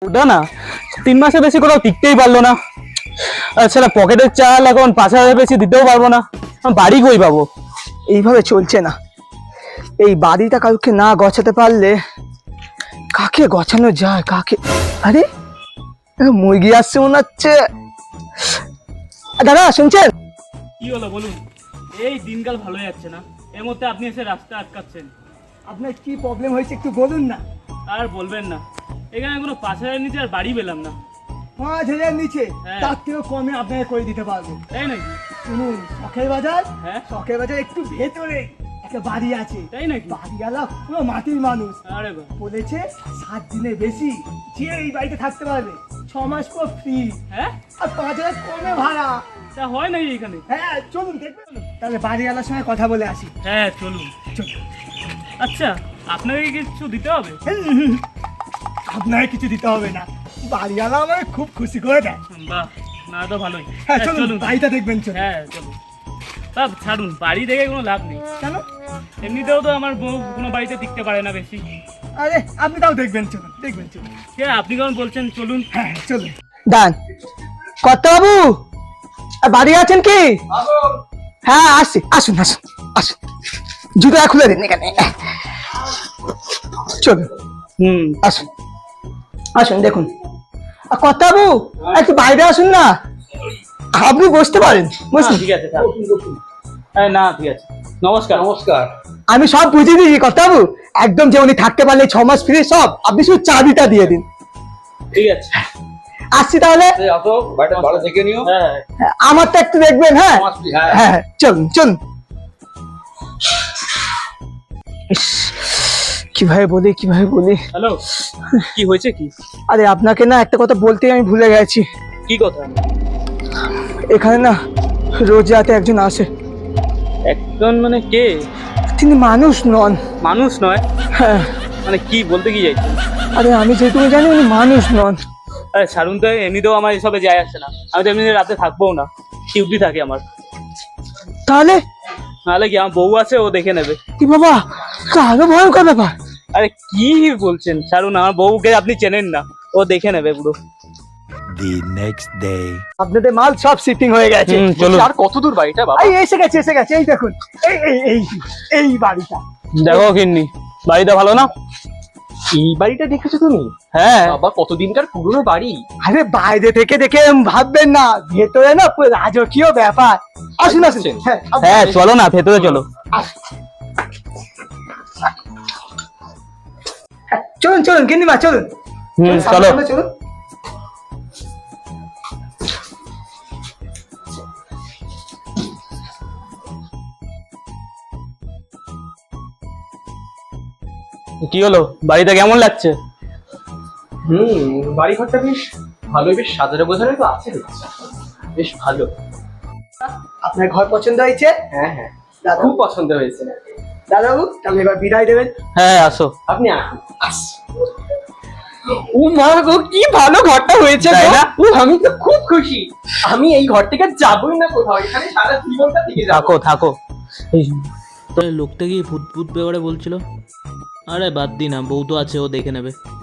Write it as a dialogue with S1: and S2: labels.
S1: ওটা না 3 মাসে বেশি কোথাও টিকতেই পারলো না। আচ্ছা, পকেটের চাল এখন 5,000 বেশি দিতেও পারবো না। বাড়ি কই পাবো?
S2: এইভাবে চলছে না। এই বাড়িটা কাউকে না গছাতে পারলে কাকে গছানো যায়? কাকে? আরে মুরগি আসছে মনে হচ্ছে। দাদা শুনছেন?
S1: কি হলো বলুন? এই দিনকাল ভালো যাচ্ছে না, এর মধ্যে আপনি এসে রাস্তা আটকাচ্ছেন।
S2: আপনার কি প্রবলেম হয়েছে একটু বলুন না।
S1: আর বলবেন না, এখানে কোনো 5,000 নিচে আর বাড়ি পেলাম না।
S2: 5,000 নিচে?
S1: হ্যাঁ।
S2: তার থেকেও কমে আপনাকে করে দিতে পারবো।
S1: তাই নাকি?
S2: শুনুন, শখের বাজার,
S1: হ্যাঁ।
S2: শখের বাজার একটু ভেতরে একটা বাড়ি আছে।
S1: তাই নাকি?
S2: বাড়িওয়ালা পুরো মাটির মানুষ।
S1: আরে বাহ।
S2: বলেছে 7 দিনের বেশি যে এই বাড়িতে থাকতে পারবে 6 মাস পর ফ্রি,
S1: হ্যাঁ,
S2: আর 5,000 কমে ভাড়া।
S1: তা হয় নাকি এখানে?
S2: হ্যাঁ চলুন দেখবেন। তাহলে বাড়িওয়ালার সঙ্গে কথা বলে আসি।
S1: হ্যাঁ চলুন।
S2: চলুন।
S1: আচ্ছা, আপনাকে কি কিছু দিতে হবে?
S2: আপনাকে কিছু দিতে হবে না, বাড়িওয়ালা আমাকে খুব খুশি করে দেয়।
S1: বাহ, না তো ভালোই।
S2: হ্যাঁ চলুন, বাড়িটা দেখবেন। চলুন।
S1: হ্যাঁ চলুন। তা ছাড়ুন, বাড়ি দেখে কোনো লাভ নেই।
S2: কেন?
S1: এমনিতেও তো আমার বউ কোনো বাড়িতে টিকতে পারে না বেশি।
S2: আরে আপনি তাও দেখবেন। চলুন দেখবেন। চলুন।
S1: হ্যাঁ, আপনি কেমন বলছেন, চলুন।
S2: হ্যাঁ চলুন। দান কত বাবু, বাড়ি আছেন কি? হ্যাঁ আসছি, আসুন আসুন আসুন, জুতা খুলে দিন এখানে। চলুন আসুন আসুন, দেখুন কত বাবু একটু বাইরে আসুন না। আপনি বসতে পারেন, বসুন।
S1: ঠিক আছে, হ্যাঁ না ঠিক আছে। নমস্কার।
S3: নমস্কার।
S2: আমি সব বুঝিয়ে দিয়েছি কত বাবু, একদম যে উনি থাকতে পারলে 6 মাস ফ্রি সব, আপনি শুধু চাবিটা দিয়ে দিন।
S1: ঠিক আছে।
S2: আসছি তাহলে।
S3: আসো, বাড়িটা ভালো দেখে নিও।
S1: হ্যাঁ
S2: হ্যাঁ, আমারটা একটু দেখবেন। হ্যাঁ
S3: হ্যাঁ।
S2: হ্যাঁ চলুন চলুন। ইস, কিভাবে বলি।
S1: হ্যালো, কি হয়েছে কি?
S2: আরে আপনাকে না একটা কথা বলতে আমি ভুলে গেছি।
S1: কি কথা?
S2: এখানে না রোজ রাতে একজন আসে।
S1: একজন মানে কে?
S2: তিনি মানুষ নন।
S1: মানুষ নয়?
S2: হ্যাঁ,
S1: মানে কি বলতে কি চাইছেন?
S2: আরে আমি যেটুকু জানি উনি মানুষ নন।
S1: আরে ছাড়ুন তো, এমনিতেও আমার এসবে যায় আসে না। আমি তো এমনি রাতে থাকবোও না, ডিউটি থাকে আমার।
S2: তাহলে
S1: নাহলে কি, আমার বউ আছে, ও দেখে নেবে।
S2: কি বাবা, আরো ভয়ঙ্কর ব্যাপার।
S1: আরে কি বলছেন, ছাড়ুন, আমার বউকে আপনি চেনেন না, ও দেখে নেবে পুরো।
S4: The next day.
S2: আপনাদের মাল সব শিপিং হয়ে গেছে।
S1: চলুন।
S3: আর কত দূর বাড়িটা বাবা?
S2: এই এসে গেছে। এই দেখুন, এই এই এই এই বাড়িটা।
S1: দেখো কিন্নি, বাড়িটা ভালো না?
S3: এই বাড়িটা দেখেছো তুমি?
S1: হ্যাঁ।
S3: বাবা, কতদিনকার পুরনো বাড়ি।
S2: আরে বাইরে থেকে দেখে ভাববেন না, ভেতরে না পুরো রাজকীয় ব্যাপার। আসুন আসুন। হ্যাঁ
S1: হ্যাঁ চলো না, ভেতরে চলো।
S2: চলুন গিন্নিমা চলুন।
S1: চলো।
S2: চলুন।
S1: কি হলো, বাড়িটা কেমন লাগছে?
S3: বাড়ি ঘরটা বেশ ভালোই, বেশ সাজানো গোছানো তো আছে দেখছি। বেশ ভালো।
S2: আপনার ঘর পছন্দ হয়েছে?
S3: হ্যাঁ হ্যাঁ,
S2: দাদা
S3: খুব পছন্দ হয়েছে।
S2: দাদাবু, তাহলে এবার বিদায় দেবেন।
S1: হ্যাঁ আসো।
S3: আপনি আসুন। ও মা গো, কি ভালো ঘরটা হয়েছে
S1: তাই
S3: গো।
S1: না?
S3: ও, আমি তো খুব খুশি। আমি এই ঘর থেকে যাবই না কোথাও, এখানে সারা জীবনটা থেকে যাবো।
S1: থাকো।
S5: লোকটা কি ভূত ব্যাপারে বলছিল? আরে বাদ দি না, বউ তো আছে, ও দেখে নেবে।